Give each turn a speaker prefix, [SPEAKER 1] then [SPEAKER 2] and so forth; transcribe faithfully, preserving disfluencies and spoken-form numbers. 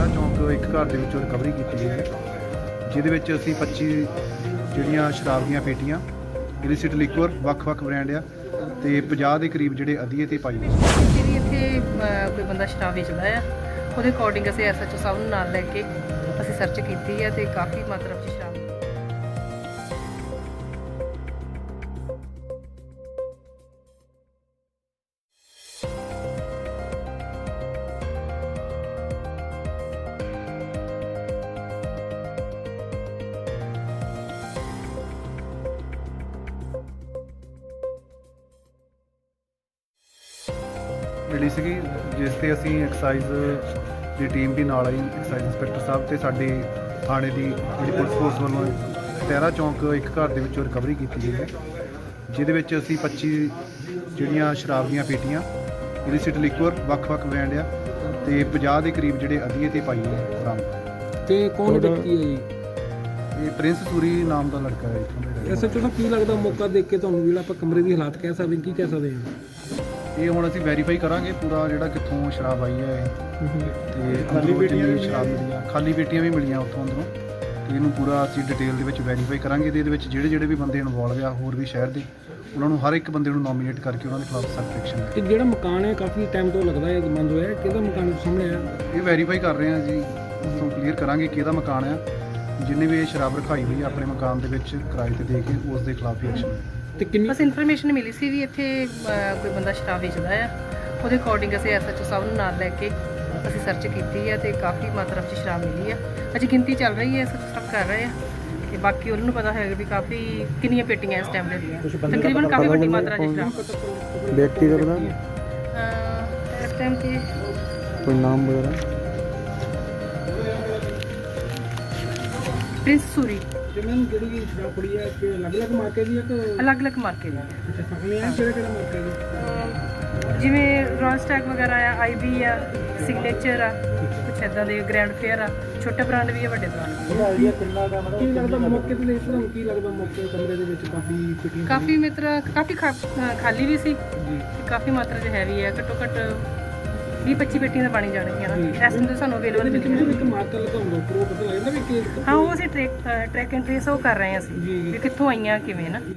[SPEAKER 1] ਟਹਿਰਾ ਚੌਂਕ ਇੱਕ ਘਰ ਦੇ ਵਿੱਚੋਂ ਰਿਕਵਰੀ ਕੀਤੀ ਗਈ ਹੈ, ਜਿਹਦੇ ਵਿੱਚ ਅਸੀਂ ਪੱਚੀ ਜਿਹੜੀਆਂ ਸ਼ਰਾਬ ਦੀਆਂ ਪੇਟੀਆਂ ਇਲਿਸਿਟ ਲਿਕਵਰ ਵੱਖ-ਵੱਖ ਬ੍ਰਾਂਡ ਆ ਤੇ ਪੰਜਾਹ ਦੇ ਕਰੀਬ ਜਿਹੜੇ ਅਧੀਏ ਤੇ ਪਾਈ ਗਈ
[SPEAKER 2] ਕਿਸੇ ਵੀ ਇੱਥੇ ਅਹ, ਕੋਈ ਬੰਦਾ ਸ਼ਰਾਬ ਵੇਚਦਾ ਆ, ਉਹਦੇ ਅਕੋਰਡਿੰਗ ਅਸੀਂ ਐਸ ਐਚ ਓ ਸਾਹਿਬ ਨੂੰ ਨਾਲ ਲੈ ਕੇ ਅਸੀਂ ਸਰਚ ਕੀਤੀ ਹੈ ਤੇ ਕਾਫੀ ਮਾਤਰਾ ਵਿੱਚ ਸ਼ਰਾਬ
[SPEAKER 1] ਮਿਲੀ ਸੀਗੀ, ਜਿਸ ਤੇ ਅਸੀਂ ਐਕਸਾਈਜ਼ ਦੀ ਟੀਮ ਵੀ ਨਾਲ ਆਈ। ਐਕਸਾਈਜ਼ ਇੰਸਪੈਕਟਰ ਸਾਹਿਬ ਤੇ ਸਾਡੇ ਥਾਣੇ ਦੀ ਜਿਹੜੀ ਪੁਲਿਸ ਫੋਰਸ ਵੱਲੋਂ ਟਹਿਰਾ ਚੌਂਕ ਇੱਕ ਘਰ ਦੇ ਵਿੱਚੋਂ ਰਿਕਵਰੀ ਕੀਤੀ ਗਈ ਹੈ, ਜਿਹਦੇ ਵਿੱਚ ਅਸੀਂ ਪੱਚੀ ਜਿਹੜੀਆਂ ਸ਼ਰਾਬ ਦੀਆਂ ਪੇਟੀਆਂ ਇਲਿਸਿਟ ਲਿਕਵਰ ਵੱਖ-ਵੱਖ ਬ੍ਰਾਂਡ ਆ ਤੇ ਪੰਜਾਹ ਦੇ ਕਰੀਬ ਜਿਹੜੇ ਅਧੀਏ ਤੇ ਪਾਈ ਹੈ ਬਰਾਮਦ।
[SPEAKER 3] ਤੇ ਕੌਣ ਵਿਅਕਤੀ ਹੈ ਜੀ?
[SPEAKER 1] ਇਹ ਪ੍ਰਿੰਸ ਸੂਰੀ ਨਾਮ ਦਾ ਲੜਕਾ ਹੈ ਇੱਥੋਂ ਦਾ।
[SPEAKER 3] ਐਸ ਐਚ ਓ ਸਾਹਿਬ ਕੀ ਲੱਗਦਾ ਮੌਕਾ ਦੇਖ ਕੇ ਤੁਹਾਨੂੰ ਜਿਹੜਾ ਆਪਾਂ ਕਮਰੇ ਦੀ ਹਾਲਾਤ ਕਹਿ ਸਕਦੇ ਕੀ ਕਹਿ ਸਕਦੇ ਹਾਂ?
[SPEAKER 1] ਇਹ ਹੁਣ ਅਸੀਂ ਵੈਰੀਫਾਈ ਕਰਾਂਗੇ ਪੂਰਾ ਜਿਹੜਾ ਕਿੱਥੋਂ ਸ਼ਰਾਬ ਆਈ ਹੈ ਤੇ ਖਾਲੀ ਪੇਟੀਆਂ ਸ਼ਰਾਬ ਮਿਲੀਆਂ, ਖਾਲੀ ਪੇਟੀਆਂ ਵੀ ਮਿਲੀਆਂ ਉੱਥੋਂ ਅੰਦਰੋਂ, ਤੇ ਇਹਨੂੰ ਪੂਰਾ ਅਸੀਂ ਡਿਟੇਲ ਦੇ ਵਿੱਚ ਵੈਰੀਫਾਈ ਕਰਾਂਗੇ ਤੇ ਇਹਦੇ ਵਿੱਚ ਜਿਹੜੇ ਜਿਹੜੇ ਵੀ ਬੰਦੇ ਇਨਵੋਲਵ ਆ ਹੋਰ ਵੀ ਸ਼ਹਿਰ ਦੇ, ਉਹਨਾਂ ਨੂੰ ਹਰ ਇੱਕ ਬੰਦੇ ਨੂੰ ਨੋਮੀਨੇਟ ਕਰਕੇ ਉਹਨਾਂ ਦੇ ਖਿਲਾਫ ਸਖਤ ਐਕਸ਼ਨ ਲੈ।
[SPEAKER 3] ਤੇ ਜਿਹੜਾ ਮਕਾਨ ਹੈ ਕਾਫੀ ਟਾਈਮ ਤੋਂ ਲੱਗਦਾ ਹੈ ਬੰਦ ਹੋਇਆ, ਕਿਹਦਾ ਮਕਾਨ ਸਾਹਮਣੇ ਆ?
[SPEAKER 1] ਇਹ ਵੈਰੀਫਾਈ ਕਰ ਰਹੇ ਹਾਂ ਜੀ, ਉੱਥੋਂ ਕਲੀਅਰ ਕਰਾਂਗੇ ਕਿਹਦਾ ਮਕਾਨ ਆ, ਜਿਹਨੇ ਵੀ ਇਹ ਸ਼ਰਾਬ ਰਖਾਈ ਹੋਈ ਆ ਆਪਣੇ ਮਕਾਨ ਦੇ ਵਿੱਚ ਕਿਰਾਏ ਤੇ ਦੇ ਕੇ ਉਸ ਦੇ ਖਿਲਾਫ ਹੀ ਐਕਸ਼ਨ।
[SPEAKER 3] ਤੇ ਕਿੰਨੀ
[SPEAKER 2] ਬਸ ਇਨਫੋਰਮੇਸ਼ਨ ਮਿਲੀ ਸੀ ਵੀ ਇੱਥੇ ਅਹ, ਕੋਈ ਬੰਦਾ ਸ਼ਰਾਬ ਵੇਚਦਾ ਆ, ਉਹਦੇ ਅਕੋਰਡਿੰਗ ਅਸੀਂ ਐਸ ਐਚ ਓ ਸਾਹਿਬ ਨੂੰ ਨਾਲ ਲੈ ਕੇ ਅਸੀਂ ਸਰਚ ਕੀਤੀ ਹੈ ਤੇ ਕਾਫੀ ਮਾਤਰਾ ਵਿੱਚ ਸ਼ਰਾਬ ਮਿਲੀ ਆ। ਅਜੇ ਗਿਣਤੀ ਚੱਲ ਰਹੀ ਹੈ, ਐਸ ਐਚ ਓ ਸਾਹਿਬ ਕਰ ਰਹੇ ਆ ਤੇ ਬਾਕੀ ਉਹਨਾਂ ਨੂੰ ਪਤਾ ਹੋਏਗਾ ਵੀ ਕਾਫੀ ਕਿੰਨੀਆਂ ਪੇਟੀਆਂ ਇਸ ਟਾਈਮ ਦੇ ਤਕਰੀਬਨ ਕਾਫੀ ਵੱਡੀ ਮਾਤਰਾ ਵਿੱਚ ਸ਼ਰਾਬ।
[SPEAKER 1] ਵਿਅਕਤੀ ਦਾ ਪਤਾ
[SPEAKER 2] ਅਹ, ਇਸ ਟਾਈਮ ਤੇ
[SPEAKER 1] ਕੋਈ ਨਾਮ ਵਗੈਰਾ?
[SPEAKER 2] ਪ੍ਰਿੰਸ ਸੂਰੀ
[SPEAKER 3] ਤੇ ਮੈਨੂੰ ਜਿਹੜੀ ਸ਼ਰਾਬ ਪੜੀ ਹੈ ਕਿ ਅਲੱਗ-ਅਲੱਗ ਮਾਰਕੇ ਦੀ ਹੈ ਕਿ
[SPEAKER 2] ਅਲੱਗ-ਅਲੱਗ ਮਾਰਕੇ ਦੀ
[SPEAKER 3] ਅੱਛਾ ਸਾਹਮਣੇ ਆ ਕਿਹੜਾ ਕਿਹੜਾ ਮਾਰਕੇ ਦੀ?
[SPEAKER 2] ਅਹ, ਜਿਵੇਂ ਰॉयल ਸਟੈਕ ਵਗੈਰਾ ਆ, ਆਈ ਬੀ ਆ, ਸਿਗਨੇਚਰ ਆ, ਕੁਛ ਇੱਦਾਂ ਦੇ ਗ੍ਰੈਂਡ ਫੇਅਰ ਆ, ਛੋਟੇ ਬ੍ਰਾਂਡ ਵੀ ਆ, ਵੱਡੇ ਬ੍ਰਾਂਡ ਵੀ ਆ।
[SPEAKER 3] ਕੀ ਲੱਗਦਾ ਮੌਕੇ ਤੇ ਦੇਖ ਤੁਹਾਨੂੰ ਕੀ ਲੱਗਦਾ ਮੌਕੇ ਕਮਰੇ ਦੇ ਵਿੱਚ ਕਾਫੀ ਫਿਟਿੰਗ
[SPEAKER 2] ਕਾਫੀ ਮਾਤਰਾ ਕਾਫੀ ਖਾ- ਅਹ, ਖਾਲੀ ਵੀ ਸੀ ਤੇ ਕਾਫੀ ਮਾਤਰਾ 'ਚ ਹੈਵੀ ਹੈ, ਘੱਟੋ ਘੱਟ ਵੀਹ ਪੱਚੀ ਪੇਟੀਆਂ ਤਾਂ ਬਣੀ ਜਾਣਗੀਆਂ ਨਾ ਇਸ ਟਾਈਮ ਤੇ ਸਾਨੂੰ ਅਵੇਲੇਬਲ
[SPEAKER 3] ਵਿੱਚ
[SPEAKER 2] ਮਿਲੀਆਂ।
[SPEAKER 3] ਮੈਨੂੰ ਇੱਕ ਮਾਰਕਰ ਲਗਾਉਂਦਾ ਉੱਪਰ ਉਹ ਪਤਾ ਲੱਗਦਾ ਵੀ ਕਿ
[SPEAKER 2] ਹਾਂ ਉਹ ਅਸੀਂ ਟਰੈਕ ਟਰੈਕ ਐਂਡ ਟ੍ਰੇਸ ਉਹ ਕਰ ਰਹੇ ਹਾਂ ਅਸੀਂ ਵੀ ਕਿੱਥੋਂ ਆਈਆਂ ਕਿਵੇਂ ਨਾ।